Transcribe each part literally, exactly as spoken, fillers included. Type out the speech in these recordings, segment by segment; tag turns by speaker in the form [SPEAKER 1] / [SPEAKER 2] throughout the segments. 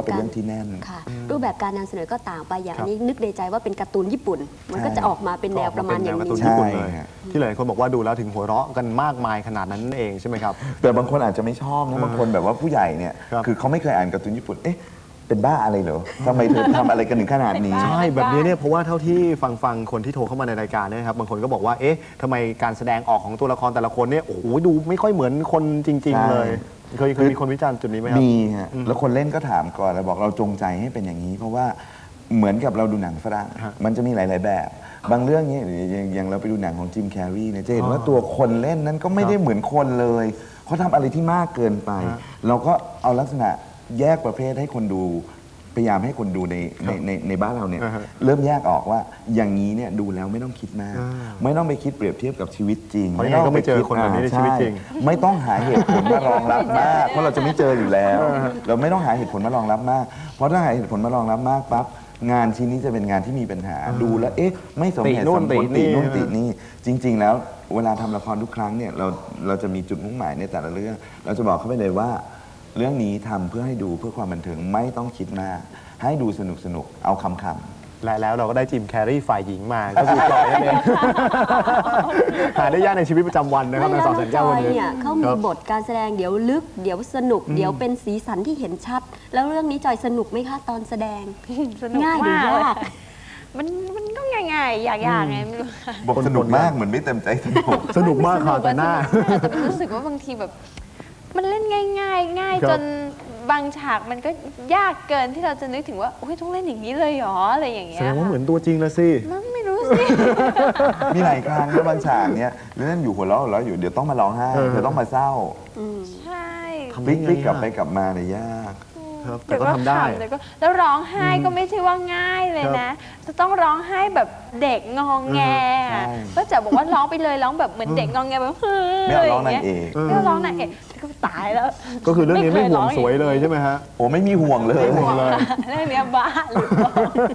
[SPEAKER 1] ก็เป็นเรื่องที่แน่น
[SPEAKER 2] รูปแบบการนำเสนอก็ต่างไปอย่างนี้นึกในใจว่าเป็นการ์ตูนญี่ปุ่นมันก็จะออกมาเป็นแนวประมาณอย่างนี้
[SPEAKER 3] ใช่ที่หลายคนบอกว่าดูแล้วถึงหัวเราะกันมากมายขนาดนั้นเองใช่ไหมครับ
[SPEAKER 1] แต่บางคนอาจจะไม่ชอบนะบางคนแบบว่าผู้ใหญ่เนี่ยคือเขาไม่เคยอ่านการ์ตูนญี่ปุ่นเอ๊ะเป็นบ้าอะไรเหรอทำไมเธอทำอะไรกันถึงขนาดนี้
[SPEAKER 3] ใช่แบบนี้เนี่ยเพราะว่าเท่าที่ฟังฟังคนที่โทรเข้ามาในรายการเนี่ยครับบางคนก็บอกว่าเอ๊ะทำไมการแสดงออกของตัวละครแต่ละคนเนี่ยโอ้โหดูไม่ค่อยเหมือนคนจริงๆเลยเคยเคยมีคนวิจารณ์จุดนี้ไหมครับ
[SPEAKER 1] มีฮะแล้วคนเล่นก็ถามก่อนแล้วบอกเราจงใจให้เป็นอย่างนี้เพราะว่าเหมือนกับเราดูหนังฝรั่งมันจะมีหลายๆแบบบางเรื่องเนี่ยอย่างเราไปดูหนังของจิมแคร์รีเนี่ยจะเห็นว่าตัวคนเล่นนั้นก็ไม่ได้เหมือนคนเลยเขาทำอะไรที่มากเกินไปเราก็เอาลักษณะแยกประเภทให้คนดูพยายามให้คนดูในในในในบ้านเราเนี่ยเริ่มแยกออกว่าอย่างนี้เนี่ยดูแล้วไม่ต้องคิดมากไม่ต้องไปคิดเปรียบเทียบกับชีวิตจริง
[SPEAKER 3] ไม่ต้องไปเจอคนแบบนี้ในชีวิตจริง
[SPEAKER 1] ไม่ต้องหาเหตุผลมารองรับมากเพราะเราจะไม่เจออยู่แล้วเราไม่ต้องหาเหตุผลมารองรับมากเพราะถ้าหาเหตุผลมารองรับมากปั๊บงานชิ้นนี้จะเป็นงานที่มีปัญหาดูแล้วเอ๊ะไม่สมเหตุสมผลติโน่นตินี่จริงๆแล้วเวลาทำละครทุกครั้งเนี่ยเราเราจะมีจุดมุ่งหมายในแต่ละเรื่องเราจะบอกเขาไปเลยว่าเรื่องนี้ทำเพื่อให้ดูเพื่อความบันเทิงไม่ต้องคิดมากให้ดูสนุกสนุกเอาคำคำ
[SPEAKER 3] และแล้วเราก็ได้จิมแคร์รีฝ่ายหญิงมาก็คือจอยนั่นเองหาได้ยากในชีวิตประจำวันนะครับในสองแสนเก้าวันนี้
[SPEAKER 2] เขามีบทการแสดงเดี๋ยวลึกเดี๋ยวสนุกเดี๋ยวเป็นสีสันที่เห็นชัดแล้วเรื่องนี้จอยสนุกไหมคะตอนแสดงง่ายหรือยาก
[SPEAKER 4] มันมันก็ง่ายๆอยากๆไงไม่รู้
[SPEAKER 1] บอกสนุกมากเหมือนไม่เต็มใจสนุก
[SPEAKER 3] สนุกมากค่ะแต่หน้า
[SPEAKER 4] แต่รู้สึกว่าบางทีแบบมันเล่นง่ายๆง่ายจนบางฉากมันก็ยากเกินที่เราจะนึกถึงว่าโอ้ยต้องเล่นอย่างนี้เลยหรออะไรอย่างเงี้ย
[SPEAKER 3] แสดงว่าเหมือนตัวจริงแล้วสิ
[SPEAKER 4] มันไม่รู้สิ
[SPEAKER 1] มีหลายครั้งนะบางฉากเนี้ยเล่นอยู่หัวเราะหัวเราะอยู่เดี๋ยวต้องมาร้องไห้เดี๋ยวต้องมาเศร้า
[SPEAKER 4] ใช่
[SPEAKER 1] พลิกกลับไปกลับมาเนี่ยยาก
[SPEAKER 3] แต่ก็ทำได้
[SPEAKER 4] แล้วร้องไห้ก็ไม่ใช่ว่าง่ายเลยนะจะต้องร้องไห้แบบเด็กงองแงก็จะบอกว่าร้องไปเลยร้องแบบเหมือนเด็กงองแงแบบเฮ้ย
[SPEAKER 1] ไม่ร้องนางเอก
[SPEAKER 4] ไม่ร้องนางเอกก็ตายแล้ว
[SPEAKER 3] ก็คือเรื่องนี้ไม่ห่วงสวยเลยใช่ไหมฮะ
[SPEAKER 1] โอ้ไม่มีห่วงเลย
[SPEAKER 3] ห่วงเลย
[SPEAKER 4] เรื่องนี้บ้าหรือเปล่า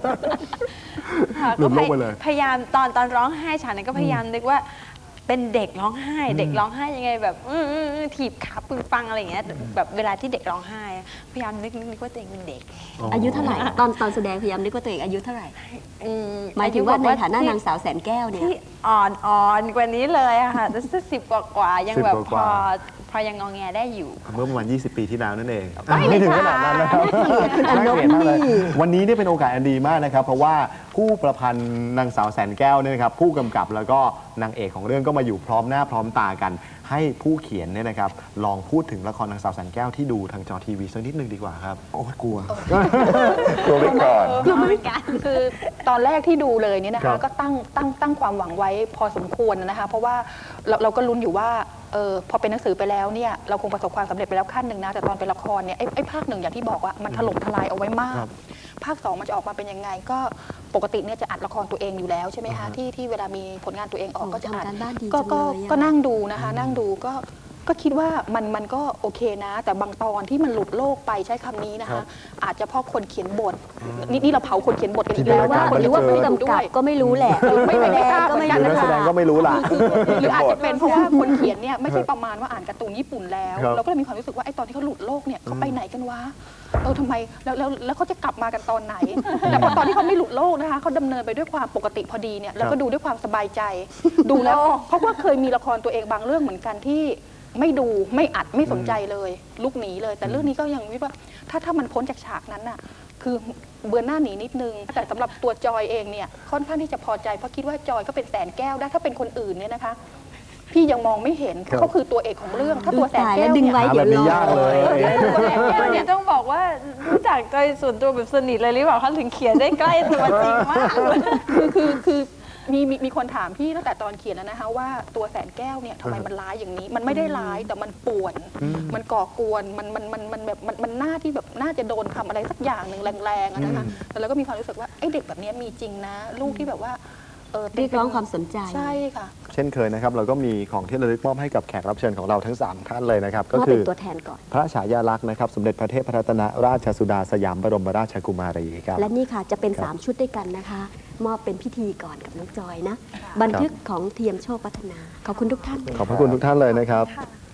[SPEAKER 4] ก็พยายามตอนตอนร้องไห้ฉากนั้นก็พยายามนึกว่าเป็นเด็กร้องไห้เด็กร้องไห้ยังไงแบบถีบขาปึงปังอะไรอย่างเงี้ยแบบเวลาที่เด็กร้องไห้พยายามนึกนึกว่าตัวเองเป็นเด็ก
[SPEAKER 2] อายุเท่าไหร่ตอนตอนแสดงพยายามนึกว่าตัวเองอายุเท่าไหร่หมายถึงว่าในฐานะนางสาวแสนแก้วเนี่ย
[SPEAKER 4] ที่อ่อนอ่อนกว่านี้เลยอะค่ะจะสิบกว่ากว่ายังแบบพอพอยังงอแงได้อยู่
[SPEAKER 3] เมื่อประมาณยี่สิบปีที่แล้วนั่นเองไม่ถึงขนาดนั้นนะครับวันนี้เนี่ยเป็นโอกาสอันดีมากนะครับเพราะว่าผู้ประพันธ์นางสาวแสนแก้วเนี่ยนะครับผู้กำกับแล้วก็นางเอกของเรื่องก็มาอยู่พร้อมหน้าพร้อมตากันให้ผู้เขียนเนี่ยนะครับลองพูดถึงละครนางสาวแสนแก้วที่ดูทางจอทีวีสักนิดนึงดีกว่าครับ
[SPEAKER 1] โอ้กลัวกลัวไปก่อน
[SPEAKER 4] กลัวไปกัน
[SPEAKER 5] คือตอนแรกที่ดูเลยเนี่ยนะคะก็ตั้งตั้งตั้งความหวังไว้พอสมควรนะคะเพราะว่าเราเราก็ลุ้นอยู่ว่าเออพอเป็นหนังสือไปแล้วเนี่ยเราคงประสบความสำเร็จไปแล้วขั้นหนึ่งนะแต่ตอนเป็นละครเนี่ยไอ้ไอ้ภาคหนึ่งอย่างที่บอกว่ามันถล่มทลายเอาไว้มากภาคสองมันจะออกมาเป็นยังไงก็ปกติเนี่ยจะอัดละครตัวเองอยู่แล้วใช่ไหมคะที่ที่เวลามีผลงานตัวเองออกก็จะอัดก็ก็ก็นั่งดูนะคะนั่งดูก็ก็คิดว่ามันมันก็โอเคนะแต่บางตอนที่มันหลุดโลกไปใช้คำนี้นะคะอาจจะเพราะคนเขียนบทนี่นี่เราเผาคนเขียนบทกันอีกแล้วว่าคนที่ว่า
[SPEAKER 2] ผู้กำกับก็ไม่รู้แหละ
[SPEAKER 5] ไม่ไม่ทราบ
[SPEAKER 3] ก็ไม่รู้นักแสดงก็ไม่รู้ล่ะ
[SPEAKER 5] หรืออาจจะเป็นเพราะว่าคนเขียนเนี่ยไม่ใช่ประมาณว่าอ่านการ์ตูนญี่ปุ่นแล้วเราก็เลยมีความรู้สึกว่าไอ้ตอนที่เขาหลุดโลกเนี่ยเขาไปไหนกันวะเออทำไมแล้วแล้วแล้วเขาจะกลับมากันตอนไหนแต่พอตอนที่เขาไม่หลุดโลกนะคะเขาดำเนินไปด้วยความปกติพอดีเนี่ยแล้วก็ดูด้วยความสบายใจดูแล้วเพราะว่าเคยมีละครตัวเองบางเรื่องเหมือนกันที่ไม่ดูไม่อัดไม่สนใจเลยลุกหนีเลยแต่เรื่องนี้ก็ยังวิว่าถ้าถ้ามันพ้นจากฉากนั้นน่ะคือเบือนหน้าหนีนิดนึงแต่สำหรับตัวจอยเองเนี่ยค่อนข้างที่จะพอใจเพราะคิดว่าจอยก็เป็นแสนแก้วได้ถ้าเป็นคนอื่นเนี่ยนะคะพี่ยังมองไม่เห็นเพราะเขาคือตัวเอกของเรื่องถ้าตัวแสนแก้ว
[SPEAKER 2] เนี่ย
[SPEAKER 3] แบบนี้ยากเลย
[SPEAKER 4] ตัวแสนแก้วเนี่ยต้องบอกว่ารู้จักจอยส่วนตัวแบบสนิทเลยหรือเปล่าเขาถึงเขียนได้ใกล้ตัวจริงมาก
[SPEAKER 5] คือคือคือมีมีมีคนถามพี่ตั้งแต่ตอนเขียนแล้วนะคะว่าตัวแสนแก้วเนี่ยทำไมมันร้ายอย่างนี้มันไม่ได้ร้ายแต่มันป่วนมันก่อกวนมันมันมันมันแบบมันมันหน้าที่แบบน่าจะโดนทำอะไรสักอย่างหนึ่งแรงๆนะคะแต่เราก็มีความรู้สึกว่าไอ้เด็กแบบนี้มีจริงนะลูกที่แบบว่า
[SPEAKER 2] เรียกร้องความสนใจ
[SPEAKER 5] ใช่ค่ะ
[SPEAKER 3] เช่นเคยนะครับเราก็มีของที่ระลึกมอบให้กับแขกรับเชิญของเราทั้งสามท่านเลยนะครับ
[SPEAKER 2] ก็คือตัวแทนก่อน
[SPEAKER 3] พระฉายาลักษณ์นะครับสมเด็จพระเทพรัตนราชสุดาสยามบรมราชกุมารีครับ
[SPEAKER 2] และนี่ค่ะจะเป็นสามชุดด้วยกันนะคะมอบเป็นพิธีก่อนกับน้องจอยนะบันทึกของเทียมโชคพัฒนาขอบคุณทุกท่าน
[SPEAKER 3] ขอบพระคุณทุกท่านเลยนะครับ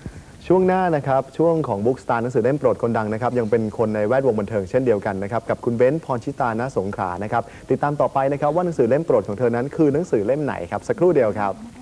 [SPEAKER 3] ช่วงหน้านะครับช่วงของบุ๊กสตาร์หนังสือเล่มโปรดคนดังนะครับยังเป็นคนในแวดวงบันเทิงเช่นเดียวกันนะครับกับคุณเบ้นพรชิตาณสงขลานะครับติดตามต่อไปนะครับว่าหนังสือเล่มโปรดของเธอนั้นคือหนังสือเล่มไหนครับสักครู่เดียวครับ